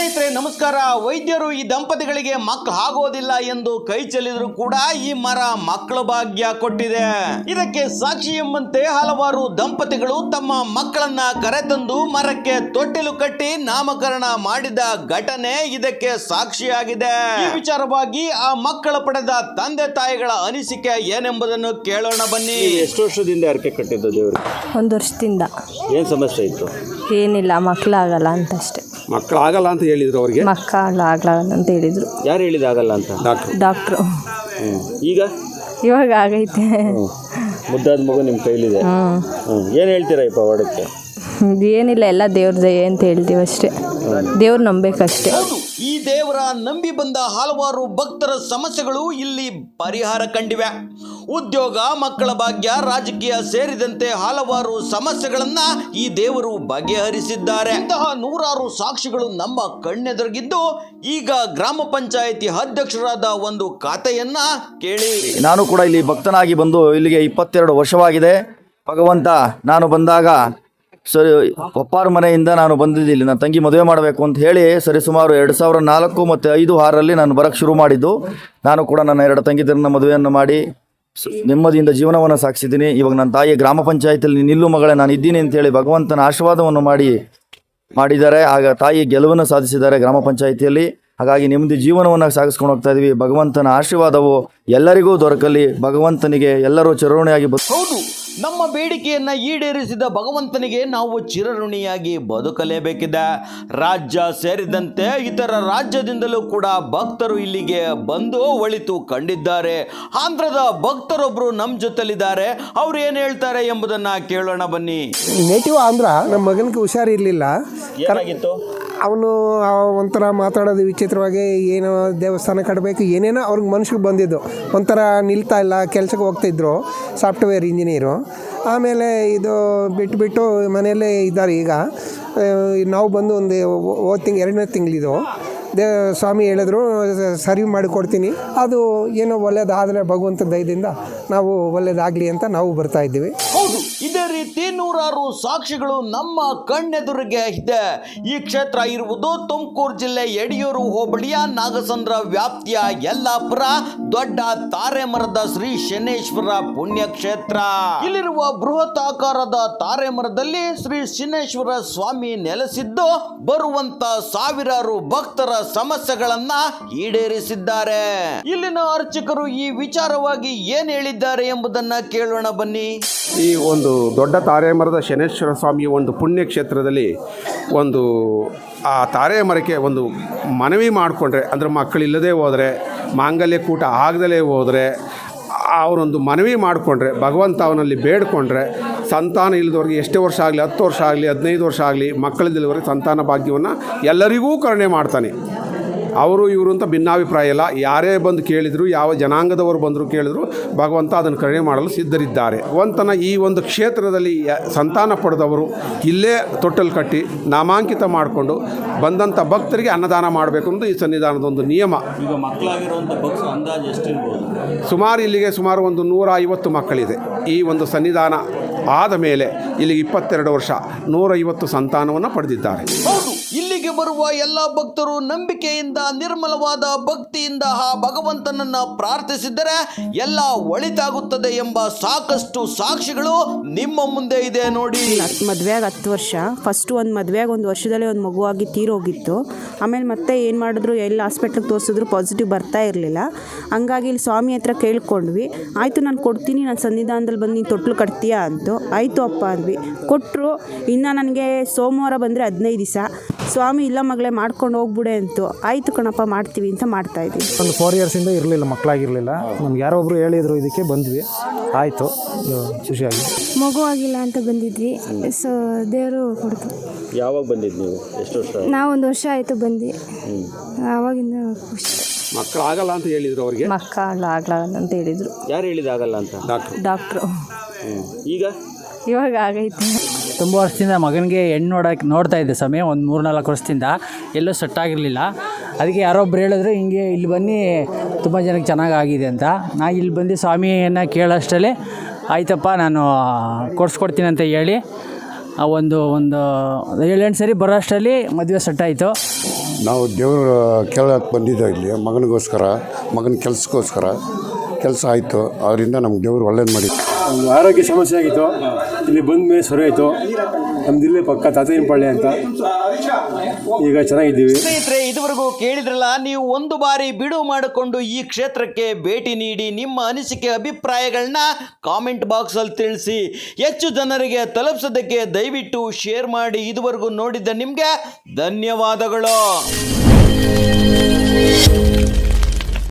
ಸ್ನೇಹಿತರೆ ನಮಸ್ಕಾರ. ವೈದ್ಯರು ಈ ದಂಪತಿಗಳಿಗೆ ಮಕ್ಕಳು ಆಗೋದಿಲ್ಲ ಎಂದು ಕೈ ಚೆಲ್ಲಿದ್ರು ಕೂಡ ಈ ಮರ ಮಕ್ಕಳ ಭಾಗ್ಯ ಕೊಟ್ಟಿದೆ. ಇದಕ್ಕೆ ಸಾಕ್ಷಿ ಎಂಬಂತೆ ಹಲವಾರು ದಂಪತಿಗಳು ತಮ್ಮ ಮಕ್ಕಳನ್ನ ಕರೆತಂದು ಮರಕ್ಕೆ ತೊಟ್ಟಿಲು ಕಟ್ಟಿ ನಾಮಕರಣ ಮಾಡಿದ ಘಟನೆ ಇದಕ್ಕೆ ಸಾಕ್ಷಿಯಾಗಿದೆ. ಈ ವಿಚಾರವಾಗಿ ಆ ಮಕ್ಕಳ ಪಡೆದ ತಂದೆ ತಾಯಿಗಳ ಅನಿಸಿಕೆ ಏನೆಂಬುದನ್ನು ಕೇಳೋಣ ಬನ್ನಿ. ಎಷ್ಟು ವರ್ಷದಿಂದ ಅರಕೆ ಕಟ್ಟಿದ್ದು ದೇವರು? 1 ವರ್ಷದಿಂದ. ಏನು ಸಮಸ್ಯೆ ಇತ್ತು? ಏನಿಲ್ಲ, ಮಕ್ಕಳಾಗಲ್ಲ ಅಂತ ಅಷ್ಟೇ. ಮಕ್ಕಳಾಗಲ್ಲ ಅಂತ ಹೇಳಿದ್ರು ಅವ್ರಿಗೆ? ಮಕ್ಕಳಾಗಲ್ಲ ಅಂತ ಹೇಳಿದ್ರು. ಯಾರು ಹೇಳಿದಾಗಲ್ಲ ಅಂತ? ಡಾಕ್ಟ್ರು. ಇವಾಗ ಆಗೈತೆ. ಮುದ್ದಾದ ಮಗು ನಿಮ್ಮ ಕೈಲಿದೆ. ಏನು ಹೇಳ್ತೀರಾ ಈ ಪವಾಡಕ್ಕೆ? ಏನಿಲ್ಲ, ಎಲ್ಲ ದೇವ್ರ ದಯೆ ಅಂತ ಹೇಳ್ತೀವಿ ಅಷ್ಟೇ. ದೇವ್ರು ನಂಬೇಕಷ್ಟೇ. ಈ ದೇವರ ನಂಬಿ ಬಂದ ಹಲವಾರು ಭಕ್ತರ ಸಮಸ್ಯೆಗಳು ಇಲ್ಲಿ ಪರಿಹಾರ ಕಂಡಿವೆ. ಉದ್ಯೋಗ, ಮಕ್ಕಳ ಭಾಗ್ಯ, ರಾಜಕೀಯ ಸೇರಿದಂತೆ ಹಲವಾರು ಸಮಸ್ಯೆಗಳನ್ನ ಈ ದೇವರು ಬಗೆಹರಿಸಿದ್ದಾರೆ. ಇಂತಹ ನೂರಾರು ಸಾಕ್ಷಿಗಳು ನಮ್ಮ ಕಣ್ಣೆದುರಿಗಿದ್ದು ಈಗ ಗ್ರಾಮ ಪಂಚಾಯಿತಿ ಅಧ್ಯಕ್ಷರಾದ ಒಂದು ಕಥೆಯನ್ನ ಕೇಳಿ. ನಾನು ಕೂಡ ಇಲ್ಲಿ ಭಕ್ತನಾಗಿ ಬಂದು ಇಲ್ಲಿಗೆ 22 ವರ್ಷವಾಗಿದೆ. ಭಗವಂತ ನಾನು ಬಂದಾಗ ಸರಿ ಒಪ್ಪಾರ ಮನೆಯಿಂದ ನಾನು ಬಂದಿದ್ದೆ. ಇಲ್ಲಿ ನನ್ನ ತಂಗಿ ಮದುವೆ ಮಾಡಬೇಕು ಅಂತ ಹೇಳಿ ಸರಿಸುಮಾರು 2004 ಮತ್ತು 5-6ರಲ್ಲಿ ನಾನು ಬರೋಕ್ಕೆ ಶುರು ಮಾಡಿದ್ದು. ನಾನು ಕೂಡ ನನ್ನ 2 ತಂಗಿದರನ್ನ ಮದುವೆಯನ್ನು ಮಾಡಿ ನೆಮ್ಮದಿಯಿಂದ ಜೀವನವನ್ನು ಸಾಗಿಸಿದ್ದೀನಿ. ಇವಾಗ ನನ್ನ ತಾಯಿ ಗ್ರಾಮ ಪಂಚಾಯತಿಯಲ್ಲಿ ನಿಲ್ಲು ಮಗಳೇ ನಾನು ಇದ್ದೀನಿ ಅಂತೇಳಿ ಭಗವಂತನ ಆಶೀರ್ವಾದವನ್ನು ಮಾಡಿದ್ದಾರೆ. ಆಗ ತಾಯಿ ಗೆಲುವನ್ನು ಸಾಧಿಸಿದ್ದಾರೆ ಗ್ರಾಮ ಪಂಚಾಯಿತಿಯಲ್ಲಿ. ಹಾಗಾಗಿ ನೆಮ್ಮದಿ ಜೀವನವನ್ನು ಸಾಗಿಸ್ಕೊಂಡು ಹೋಗ್ತಾ ಇದ್ವಿ. ಭಗವಂತನ ಆಶೀರ್ವಾದವು ಎಲ್ಲರಿಗೂ ದೊರಕಲಿ. ಭಗವಂತನಿಗೆ ಎಲ್ಲರೂ ಚಿರಋಣಿಯಾಗಿ ಹೌದು, ನಮ್ಮ ಬೇಡಿಕೆಯನ್ನ ಈಡೇರಿಸಿದ ಭಗವಂತನಿಗೆ ನಾವು ಚಿರಋಣಿಯಾಗಿ ಬದುಕಲೇಬೇಕಿದೆ. ರಾಜ್ಯ ಸೇರಿದಂತೆ ಇತರ ರಾಜ್ಯದಿಂದಲೂ ಕೂಡ ಭಕ್ತರು ಇಲ್ಲಿಗೆ ಬಂದು ಒಳಿತು ಕಂಡಿದ್ದಾರೆ. ಆಂಧ್ರದ ಭಕ್ತರೊಬ್ರು ನಮ್ಮ ಜೊತೆಲಿದ್ದಾರೆ. ಅವ್ರು ಏನು ಹೇಳ್ತಾರೆ ಎಂಬುದನ್ನ ಕೇಳೋಣ ಬನ್ನಿ. ನೇಟಿವ್ ಆಂಧ್ರ. ನಮ್ಮ ಮಗನಿಗೆ ಹುಷಾರಿರಲಿಲ್ಲ. ಏನಾಗಿತ್ತು? ಅವನು ಒಂಥರ ಮಾತಾಡೋದು ವಿಚಿತ್ರವಾಗಿ, ಏನೋ ದೇವಸ್ಥಾನ ಕಟ್ಟಬೇಕು ಏನೇನೋ ಅವ್ರಿಗೆ ಮನುಷ್ಯಗೆ ಬಂದಿದ್ದು. ಒಂಥರ ನಿಲ್ತಾ ಇಲ್ಲ, ಕೆಲ್ಸಕ್ಕೆ ಹೋಗ್ತಾಯಿದ್ರು, ಸಾಫ್ಟ್ವೇರ್ ಇಂಜಿನಿಯರು. ಆಮೇಲೆ ಇದು ಬಿಟ್ಟು ಮನೆಯಲ್ಲೇ ಇದ್ದಾರೆ. ಈಗ ನಾವು ಬಂದು ಒಂದು 2ನೇ ತಿಂಗಳಿದು ಸ್ವಾಮಿ ಹೇಳಿದ್ರು ಸರಿ ಮಾಡಿ ಕೊಡ್ತೀನಿ. ಅದು ಏನೋ ಒಳ್ಳೇದಾದರೆ ಭಗವಂತ ದಯದಿಂದ ನಾವು ಒಳ್ಳೇದಾಗಲಿ ಅಂತ ನಾವು ಬರ್ತಾ ಇದ್ದೀವಿ. ಹೌದು, ಇದೇ ರೀತಿ ನೂರಾರು ಸಾಕ್ಷಿಗಳು ನಮ್ಮ ಕಣ್ಣೆದುರಿಗೆ ಇದೆ. ಈ ಕ್ಷೇತ್ರ ಇರುವುದು ತುಮಕೂರು ಜಿಲ್ಲೆ ಯಡಿಯೂರು ಹೋಬಳಿಯ ನಾಗಸಂದ್ರ ವ್ಯಾಪ್ತಿಯ ಯಲ್ಲಾಪುರ ದೊಡ್ಡ ತಾರೆಮರದ ಶ್ರೀ ಶನೇಶ್ವರ ಪುಣ್ಯಕ್ಷೇತ್ರ. ಇಲ್ಲಿರುವ ಬೃಹತ್ ಆಕಾರದ ತಾರೆಮರದಲ್ಲಿ ಶ್ರೀ ಶನೇಶ್ವರ ಸ್ವಾಮಿ ನೆಲೆಸಿದ್ದು ಬರುವಂತ ಸಾವಿರಾರು ಭಕ್ತರ ಸಮಸ್ಯೆಗಳನ್ನ ಈಡೇರಿಸಿದ್ದಾರೆ. ಇಲ್ಲಿನ ಅರ್ಚಕರು ಈ ವಿಚಾರವಾಗಿ ಏನ್ ಹೇಳಿದ್ದಾರೆ ಎಂಬುದನ್ನ ಕೇಳೋಣ ಬನ್ನಿ. ಈ ಒಂದು ದೊಡ್ಡ ತಾರೆಮರದ ಶನೇಶ್ವರ ಸ್ವಾಮಿಯ ಒಂದು ಪುಣ್ಯಕ್ಷೇತ್ರದಲ್ಲಿ ಒಂದು ಆ ತಾರೆ ಮರಕ್ಕೆ ಒಂದು ಮನವಿ ಮಾಡಿಕೊಂಡ್ರೆ, ಅಂದರೆ ಮಕ್ಕಳಿಲ್ಲದೆ ಹೋದರೆ, ಮಾಂಗಲ್ಯ ಕೂಟ ಆಗದಲೇ ಹೋದರೆ ಅವರೊಂದು ಮನವಿ ಮಾಡಿಕೊಂಡ್ರೆ, ಭಗವಂತ ಅವನಲ್ಲಿ ಬೇಡಿಕೊಂಡ್ರೆ, ಸಂತಾನ ಇಲ್ಲದವ್ರಿಗೆ ಎಷ್ಟೇ ವರ್ಷ ಆಗಲಿ, 10 ವರ್ಷ ಆಗಲಿ, 15 ವರ್ಷ ಆಗಲಿ, ಮಕ್ಕಳಿಲ್ಲದವರಿಗೆ ಸಂತಾನ ಭಾಗ್ಯವನ್ನು ಎಲ್ಲರಿಗೂ ಕರುಣೆ ಮಾಡ್ತಾನೆ. ಅವರು ಇವರು ಅಂತ ಭಿನ್ನಾಭಿಪ್ರಾಯ ಇಲ್ಲ. ಯಾರೇ ಬಂದು ಕೇಳಿದರು, ಯಾವ ಜನಾಂಗದವರು ಬಂದರೂ ಕೇಳಿದ್ರು ಭಗವಂತ ಅದನ್ನು ಕರುಣೆ ಮಾಡಲು ಸಿದ್ಧರಿದ್ದಾರೆ. ಭಗವಂತನ ಈ ಒಂದು ಕ್ಷೇತ್ರದಲ್ಲಿ ಸಂತಾನ ಪಡೆದವರು ಇಲ್ಲೇ ತೊಟ್ಟಲು ಕಟ್ಟಿ ನಾಮಾಂಕಿತ ಮಾಡಿಕೊಂಡು ಬಂದಂಥ ಭಕ್ತರಿಗೆ ಅನ್ನದಾನ ಮಾಡಬೇಕು ಅನ್ನೋದು ಈ ಸನ್ನಿಧಾನದ ಒಂದು ನಿಯಮ. ಈಗ ಮಕ್ಕಳಾಗಿರುವಂಥ ಭಕ್ತರು ಅಂದಾಜು ಎಷ್ಟಿರ್ಬೋದು? ಇಲ್ಲಿಗೆ ಸುಮಾರು ಒಂದು 150 ಮಕ್ಕಳಿದೆ. ಈ ಒಂದು ಸನ್ನಿಧಾನ ಆದ ಮೇಲೆ ಇಲ್ಲಿಗೆ 22 ವರ್ಷ 150 ಸಂತಾನವನ್ನು ಪಡೆದಿದ್ದಾರೆ. ಹೌದು, ಇಲ್ಲಿಗೆ ಬರುವ ಎಲ್ಲ ಭಕ್ತರು ನಂಬಿಕೆಯಿಂದ, ನಿರ್ಮಲವಾದ ಭಕ್ತಿಯಿಂದ ಆ ಭಗವಂತನನ್ನ ಪ್ರಾರ್ಥಿಸಿದರೆ ಎಲ್ಲ ಒಳಿತಾಗುತ್ತದೆ ಎಂಬ ಸಾಕಷ್ಟು ಸಾಕ್ಷಿಗಳು ನಿಮ್ಮ ಮುಂದೆ ಇದೆ ನೋಡಿ. ಮದುವೆಯಾಗ 10 ವರ್ಷ, ಫಸ್ಟ್ ಒಂದು ಮದುವೆಯಾಗ 1 ವರ್ಷದಲ್ಲೇ ಒಂದು ಮಗುವಾಗಿ ತೀರೋಗಿತ್ತು. ಆಮೇಲೆ ಮತ್ತೆ ಏನು ಮಾಡಿದ್ರು, ಎಲ್ಲ ಹಾಸ್ಪಿಟ್ಲಿಗೆ ತೋರಿಸಿದ್ರು ಪಾಸಿಟಿವ್ ಬರ್ತಾ ಇರಲಿಲ್ಲ. ಹಂಗಾಗಿ ಇಲ್ಲಿ ಸ್ವಾಮಿ ಹತ್ರ ಕೇಳ್ಕೊಂಡ್ವಿ. ಆಯಿತು ನಾನು ಕೊಡ್ತೀನಿ, ನಾನು ಸನ್ನಿಧಾನದಲ್ಲಿ ಬಂದು ನೀನು ತೊಟ್ಲು ಕಟ್ತೀಯಾ ಅಂತು. ಆಯಿತು ಅಪ್ಪ ಅಂದ್ವಿ, ಕೊಟ್ಟರು. ಇನ್ನು ನನಗೆ ಸೋಮವಾರ ಬಂದರೆ 15 ದಿವಸ. ಸ್ವಾಮಿ ಇಲ್ಲ ಮಗಳೇ ಮಾಡ್ಕೊಂಡು ಹೋಗ್ಬಿಡೆ ಅಂತು. ಆಯಿತು ಕಣಪ್ಪ ಮಾಡ್ತೀವಿ ಅಂತ ಮಾಡ್ತಾಯಿದ್ವಿ. ಒಂದು 4 ಇಯರ್ಸಿಂದ ಇರಲಿಲ್ಲ, ಮಕ್ಕಳಾಗಿರಲಿಲ್ಲ. ನಮ್ಗೆ ಯಾರೋ ಒಬ್ಬರು ಹೇಳಿದರು, ಇದಕ್ಕೆ ಬಂದ್ವಿ. ಆಯಿತು, ಖುಷಿಯಾಗಿ. ಮಗು ಆಗಿಲ್ಲ ಅಂತ ಬಂದಿದ್ವಿ. ಸೊ ದೇವರು ಕೊಡ್ತು. ಯಾವಾಗ ಬಂದಿದ್ದು ನೀವು? ಎಷ್ಟು ವರ್ಷ? ನಾವು 1 ವರ್ಷ ಆಯಿತು ಬಂದು. ಆವಾಗಿಂದ ಖುಷಿ. ಮಕ್ಕಳಾಗಲ್ಲ ಅಂತ ಹೇಳಿದರು ಅವರಿಗೆ. ಮಕ್ಕಳಾಗಲ್ಲ ಅಂತ ಹೇಳಿದರು. ಯಾರು ಹೇಳಿದಾಗಲ್ಲ ಅಂತ? ಡಾಕ್ಟ್ರು. ಇವಾಗ ಆಗೈತೆ. ತುಂಬ ವರ್ಷದಿಂದ ಮಗನಿಗೆ ಹೆಣ್ಣು ನೋಡ್ತಾ ಇದ್ದೆ ಸಮಯ, ಒಂದು 3-4 ವರ್ಷದಿಂದ ಎಲ್ಲೂ ಸೆಟ್ ಆಗಿರಲಿಲ್ಲ. ಅದಕ್ಕೆ ಯಾರೊಬ್ರು ಹೇಳಿದ್ರು ಹಿಂಗೆ ಇಲ್ಲಿ ಬನ್ನಿ ತುಂಬ ಜನಕ್ಕೆ ಚೆನ್ನಾಗಾಗಿದೆ ಅಂತ. ನಾ ಇಲ್ಲಿ ಬಂದು ಸ್ವಾಮಿಯನ್ನು ಕೇಳೋಷ್ಟರಲ್ಲಿ ಆಯ್ತಪ್ಪ ನಾನು ಕೊಡಿಸ್ಕೊಡ್ತೀನಿ ಅಂತ ಹೇಳಿ ಒಂದು 7-8 ಸರಿ ಬರೋ ಅಷ್ಟರಲ್ಲಿ ಮದುವೆ ಸೆಟ್ ಆಯಿತು. ನಾವು ದೇವ್ರ ಕೇಳಕ್ಕೆ ಬಂದಿದ್ದೋ ಇಲ್ಲಿ ಮಗನ ಕೆಲಸಕ್ಕೋಸ್ಕರ ಕೆಲಸ ಆಯಿತು. ಅವರಿಂದ ನಮ್ಗೆ ದೇವ್ರು ಒಳ್ಳೇದು ಮಾಡಿ. ಒಂದು ಆರೋಗ್ಯ ಸಮಸ್ಯೆ ಆಗಿತ್ತು, ಇಲ್ಲಿ ಬಂದ ಮೇಲೆ ಸರಿ ಆಯಿತು. ನಮ್ದು ಇಲ್ಲೇ ಪಕ್ಕ ತಾತಯ್ಯನಪಾಳ್ಯ ಅಂತ, ಈಗ ಚೆನ್ನಾಗಿದ್ದೀವಿ. ಸ್ನೇಹಿತರೆ, ಇದುವರೆಗೂ ಕೇಳಿದ್ರಲ್ಲ, ನೀವು ಒಂದು ಬಾರಿ ಬಿಡುವು ಮಾಡಿಕೊಂಡು ಈ ಕ್ಷೇತ್ರಕ್ಕೆ ಭೇಟಿ ನೀಡಿ ನಿಮ್ಮ ಅನಿಸಿಕೆ ಅಭಿಪ್ರಾಯಗಳನ್ನ ಕಾಮೆಂಟ್ ಬಾಕ್ಸಲ್ಲಿ ತಿಳಿಸಿ. ಹೆಚ್ಚು ಜನರಿಗೆ ತಲುಪಿಸೋದಕ್ಕೆ ದಯವಿಟ್ಟು ಶೇರ್ ಮಾಡಿ. ಇದುವರೆಗೂ ನೋಡಿದ್ದ ನಿಮಗೆ ಧನ್ಯವಾದಗಳು.